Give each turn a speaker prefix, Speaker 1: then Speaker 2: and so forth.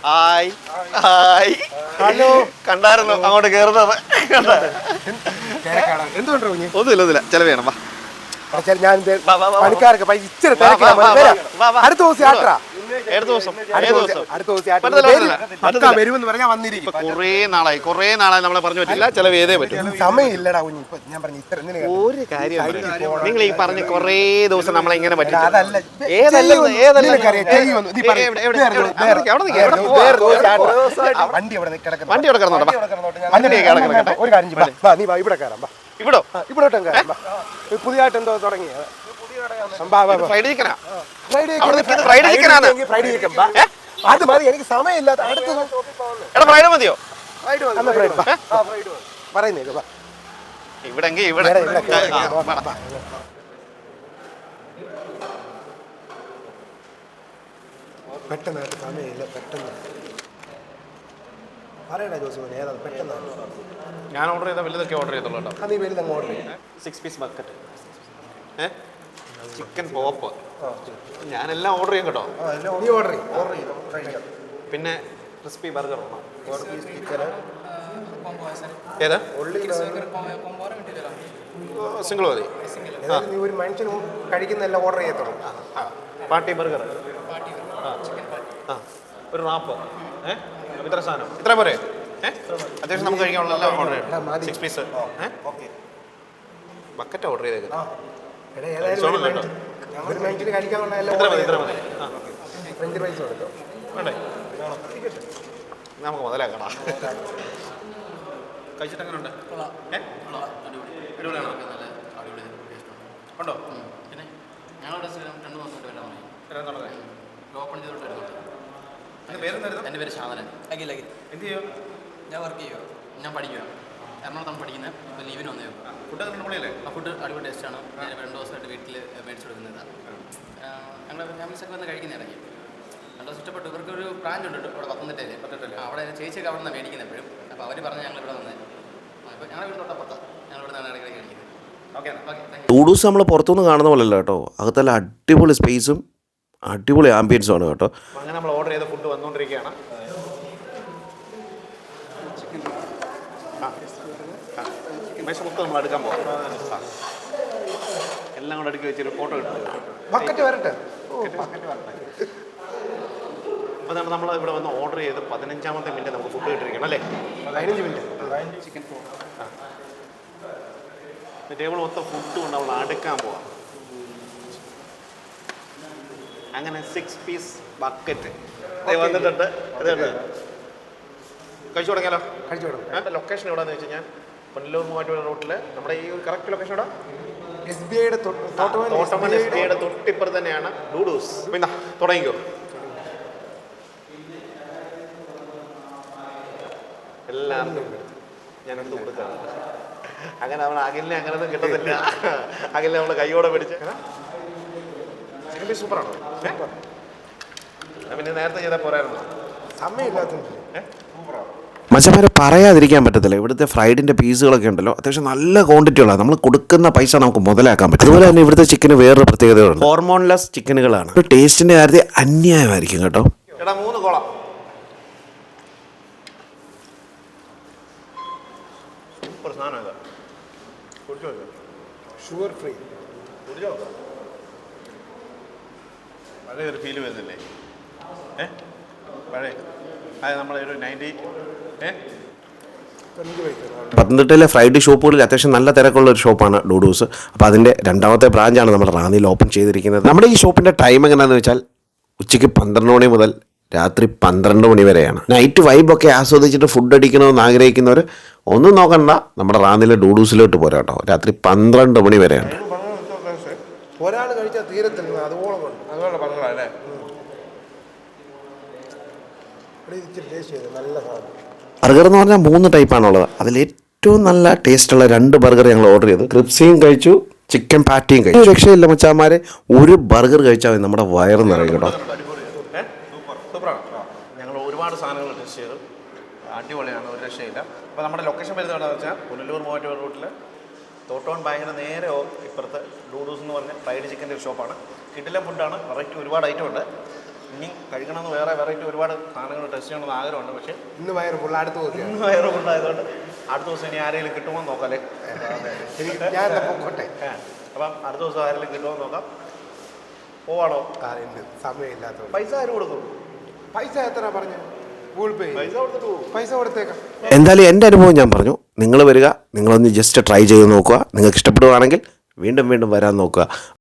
Speaker 1: Hi hi hello കണ്ടായിരുന്നു അങ്ങോട്ട് കയറുന്നത് ഒന്നുമില്ല ചിലവ് ചെയ്യണം
Speaker 2: ഞാൻ പണിക്കാർക്ക് പൈസ ഇച്ചിരി അടുത്ത ദിവസം യാത്ര വരുമെന്ന് പറഞ്ഞാൽ വന്നിരിക്കും.
Speaker 1: കുറേ നാളായി നമ്മളെ പറഞ്ഞു പറ്റില്ല ചിലവ് ചെയ്തേ പറ്റും.
Speaker 2: സമയമില്ലടാ കുഞ്ഞ്. ഞാൻ പറഞ്ഞു ഇത്ര
Speaker 1: ഒരു കാര്യം നിങ്ങൾ ഈ പറഞ്ഞ കുറേ ദിവസം നമ്മളെ ഇങ്ങനെ പറ്റും. വണ്ടി ഇവിടെ കിടന്നോട്ടെ.
Speaker 2: ഒരു കാര്യം നീ ഇവിടെ കയറാം. ഇവിടോട്ടും കയറാം. പുതിയതായിട്ട് എന്തോ തുടങ്ങിയ അത് മതി. എനിക്ക് സമയമില്ലാത്ത അടുത്ത
Speaker 1: മതിയോ
Speaker 2: പറയുന്നേ
Speaker 1: ഇവിടെ
Speaker 2: പെട്ടെന്നായിട്ട് സമയമില്ല. പെട്ടെന്ന് പറയണ ജോസഫ് ഏതാ പെട്ടെന്ന്.
Speaker 1: ഞാൻ ഓർഡർ ചെയ്ത വലുതൊക്കെ ഓർഡർ ചെയ്തോളൂ കേട്ടോ.
Speaker 2: നീ വലുതങ്ങ് ഓർഡർ ചെയ്യും.
Speaker 1: 6 പീസ് ബക്കറ്റ്, ചിക്കൻ പോപ്പ്, ഞാനെല്ലാം ഓർഡർ ചെയ്യും കേട്ടോ.
Speaker 2: നീ ഓർഡർ ചെയ്യും.
Speaker 1: പിന്നെ ക്രിസ്പി ബർഗർ ഏതാ സിംഗിൾ മതി.
Speaker 2: നീ ഒരു മനുഷ്യനും കഴിക്കുന്നതെല്ലാം ഓർഡർ ചെയ്യത്തുള്ളൂ.
Speaker 1: പാർട്ടി ബർഗർ, ഒരു റാപ്പ്, ഇത്ര സാധനം ഇത്ര പോരെ? അത്യാവശ്യം നമുക്ക് കഴിക്കാനുള്ള ഓർഡർ ചെയ്യാം. 6 പീസ് ബക്കറ്റ് ഓർഡർ ചെയ്തേക്കുന്നത്. നമുക്ക് മുതലാക്കടാ. കഴിച്ചിട്ട് എങ്ങനെ ഉണ്ട്? ഉണ്ടോ?
Speaker 3: പിന്നെ ഞങ്ങളുടെ 2 മാസമായിട്ട് ഓപ്പൺ ചെയ്തോട്ട് വരുന്നുണ്ട്. എൻ്റെ പേര് ഷാദനൻ.
Speaker 1: എന്ത് ചെയ്യോ?
Speaker 3: ഞാൻ വർക്ക് ചെയ്യുക. ഞാൻ പഠിക്കുക. എറണാകുളത്താണ് പഠിക്കുന്നത്. ഇപ്പോൾ ലീവിന് വന്നേ.
Speaker 1: ഫുഡ് പൊളിയല്ലേ?
Speaker 3: ആ ഫുഡ് അടിപൊളി ടേസ്റ്റാണ്. ഞാനിപ്പോൾ 2 ദിവസമായിട്ട് വീട്ടിൽ മേടിച്ചു കൊടുക്കുന്നതാണ്. ഞങ്ങളുടെ ഫാമിലീസൊക്കെ വന്ന് കഴിക്കുന്ന ഇടയ്ക്ക് 2 ദിവസം ഇഷ്ടപ്പെട്ടു. ഇവർക്കൊരു ബ്രാഞ്ച് ഉണ്ട് ഇവിടെ പത്തനംതിട്ടയിൽ. അവിടെ ചേച്ചിയൊക്കെ അവിടെ നിന്നാണ് മേടിക്കുന്നത് എപ്പോഴും. അപ്പോൾ അവർ പറഞ്ഞ് ഞങ്ങൾ ഇവിടെ വന്നത്. അപ്പോൾ ഞങ്ങളുടെ വീട് തൊട്ടപ്പുറത്താണ്. ഞങ്ങൾ ഇവിടെ നിന്നാണ് ഇടയ്ക്ക് കഴിക്കുന്നത്. Okay okay.
Speaker 4: ഡൂഡൂസ് നമ്മൾ പുറത്തുനിന്ന് കാണുന്ന പോലെയല്ല കേട്ടോ. അകത്തല്ല അടിപൊളി സ്പേസും അടിപൊളി ആംബിയൻസും ആണ് കേട്ടോ.
Speaker 1: അങ്ങനെ നമ്മൾ ഓർഡർ ചെയ്ത ഫുഡ് വന്നുകൊണ്ടിരിക്കുകയാണ്. മേശ മൊത്തം നമ്മൾ എടുക്കാൻ പോകാം. എല്ലാം കൂടെ അടുക്കി വെച്ചൊരു ഫോട്ടോ കിട്ടും. അപ്പോൾ നമ്മൾ ഇവിടെ വന്ന് ഓർഡർ ചെയ്ത് 15ാമത്തെ മിനിറ്റ് നമുക്ക് ഫുഡ് കിട്ടിയിരിക്കണം അല്ലേ?
Speaker 2: 15 മിനിറ്റ്
Speaker 1: ചിക്കൻ ടേബിൾ മൊത്തം ഫുഡ് കൊണ്ട് നമ്മൾ അടുക്കാൻ പോവാം. അങ്ങനെ 6 പീസ് ബക്കറ്റ് വന്നിട്ടുണ്ട്. അതുകൊണ്ട് കഴിച്ചു തുടങ്ങിയാലോ?
Speaker 2: കഴിച്ചു തുടങ്ങാം.
Speaker 1: ലൊക്കേഷൻ എവിടെയാണെന്ന് വെച്ച് കഴിഞ്ഞാൽ പുനലൂർ മൂവാറ്റുപുഴ റൂട്ടിൽ നമ്മുടെ ഈ ഒരു കറക്റ്റ് ലൊക്കേഷൻ എവിടെ?
Speaker 2: SBIയുടെ
Speaker 1: തൊട്ടിപ്പുറത്ത് തന്നെയാണ് ഡൂഡൂസ്. പിന്നെ തുടങ്ങിക്കോ. എല്ലാവർക്കും ഞാനെടുത്ത് കൊടുക്കാം. അങ്ങനെ നമ്മൾ അകലിനെ അങ്ങനെയൊന്നും കിട്ടത്തില്ല. അകലിനെ നമ്മൾ കൈയോടെ പിടിച്ച് സൂപ്പറാണോ? പിന്നെ നേരത്തെ ചെയ്താൽ പോരായിരുന്നു.
Speaker 2: സമയമില്ലാത്ത
Speaker 4: മച്ചന്മാരെ പറയാതിരിക്കാൻ പറ്റത്തില്ല. ഇവിടുത്തെ ഫ്രൈഡിൻ്റെ പീസുകളൊക്കെ ഉണ്ടല്ലോ അത്യാവശ്യം നല്ല ക്വാണ്ടിറ്റിയുള്ളതാണ്. നമ്മൾ കൊടുക്കുന്ന പൈസ നമുക്ക് മുതലാക്കാൻ പറ്റും. അതുപോലെ തന്നെ ഇവിടുത്തെ ചിക്കന് വേറൊരു പ്രത്യേകതകളുണ്ട്. ഹോർമോൺലെസ് ചിക്കനുകളാണ്. ടേസ്റ്റിൻ്റെ കാര്യത്തിൽ അന്യായമായിരിക്കും കേട്ടോ.
Speaker 1: എടാ 3 കോള. സൂപ്പർ സാധനം ഇതാ.
Speaker 2: Sugar free.
Speaker 1: പഴയ ഒരു ഫീല് വരുന്നില്ലേ? പഴയ അത് നമ്മളെ ഒരു 90
Speaker 4: പത്തനംതിട്ടയിലെ ഫ്രൈഡ് ഷോപ്പുകളിൽ അത്യാവശ്യം നല്ല തിരക്കുള്ള ഒരു ഷോപ്പാണ് ഡൂഡൂസ്. അപ്പോൾ അതിൻ്റെ 2ാമത്തെ ബ്രാഞ്ചാണ് നമ്മുടെ റാന്നിയിൽ ഓപ്പൺ ചെയ്തിരിക്കുന്നത്. നമ്മുടെ ഈ ഷോപ്പിൻ്റെ ടൈം എങ്ങനെയാണെന്ന് വെച്ചാൽ ഉച്ചയ്ക്ക് 12 മണി മുതൽ രാത്രി 12 മണി വരെയാണ്. നൈറ്റ് വൈബൊക്കെ ആസ്വദിച്ചിട്ട് ഫുഡ് അടിക്കണമെന്ന് ആഗ്രഹിക്കുന്നവർ ഒന്നും നോക്കണ്ട, നമ്മുടെ റാന്നിയിലെ ഡൂഡൂസിലോട്ട് പോരാ കേട്ടോ. രാത്രി 12 മണി വരെയാണ്.
Speaker 2: ഒരാൾ കഴിച്ചാൽ തീരത്തില്ല. അതുപോലെ
Speaker 1: പറഞ്ഞല്ലേ?
Speaker 2: നല്ല സാധനം.
Speaker 4: ബർഗർ എന്ന് പറഞ്ഞാൽ 3 ടൈപ്പാണുള്ളത്. അതിൽ ഏറ്റവും നല്ല ടേസ്റ്റുള്ള 2 ബർഗർ ഞങ്ങൾ ഓർഡർ ചെയ്തു. ക്രിപ്സിയും കഴിച്ചു, ചിക്കൻ പാറ്റിയും കഴിച്ചു. രക്ഷയില്ല മച്ചാമാരെ, ഒരു ബർഗർ കഴിച്ചാൽ നമ്മുടെ വയറ് നിറയും കേട്ടോ.
Speaker 1: ഞങ്ങൾ ഒരുപാട് സാധനങ്ങൾ ടെസ്റ്റ് ചെയ്തു. അടിപൊളിയാണ്, ഒരു രക്ഷയില്ല. അപ്പോൾ നമ്മുടെ ലൊക്കേഷൻ വരുന്നത് എവിടെയാണെന്ന് വെച്ചാൽ പുനലൂർ മൂവാറ്റുപുഴ റൂട്ടിൽ തോട്ടോൺ ബാങ്കിന് നേരെ ഇപ്പുറത്ത് ഡൂഡൂസ് എന്ന് പറഞ്ഞ ഫ്രൈഡ് ചിക്കൻ്റെ ഒരു ഷോപ്പാണ്. കിടിലൻ ഫുഡാണ്, വെറൈറ്റി ഒരുപാട് ഐറ്റം ഉണ്ട്. ഇനി കഴിക്കണമെന്ന് വേറെ വെറൈറ്റി ഒരുപാട് സാധനങ്ങൾ ടെസ്റ്റ് ചെയ്യണമെന്ന് ആഗ്രഹമുണ്ട്. പക്ഷേ
Speaker 2: ഇന്ന് വയറ് ഫുൾ അടുത്ത് പോയി
Speaker 1: ഇന്ന് വയറ് കൊണ്ടായതുകൊണ്ട് അടുത്ത ദിവസം ഇനി ആരെങ്കിലും കിട്ടുമോ എന്ന് നോക്കാം അല്ലേ.
Speaker 2: ഞാൻ പൊക്കോട്ടെ.
Speaker 1: അപ്പം അടുത്ത ദിവസം ആരെങ്കിലും കിട്ടുമോ എന്ന് നോക്കാം. പോവാണോ?
Speaker 2: സമയമില്ലാത്ത
Speaker 1: പൈസ ആര് കൊടുക്കും?
Speaker 2: പൈസ എത്ര പറഞ്ഞു? ഗൂഗിൾ പേ
Speaker 1: പൈസ കൊടുത്തിട്ട് പോകും.
Speaker 2: പൈസ കൊടുത്തേക്കാം.
Speaker 4: എന്തായാലും എൻ്റെ അനുഭവം ഞാൻ പറഞ്ഞു. നിങ്ങൾ വരിക, നിങ്ങളൊന്ന് ജസ്റ്റ് ട്രൈ ചെയ്ത് നോക്കുക. നിങ്ങൾക്ക് ഇഷ്ടപ്പെടുകയാണെങ്കിൽ വീണ്ടും വീണ്ടും വരാൻ നോക്കുക.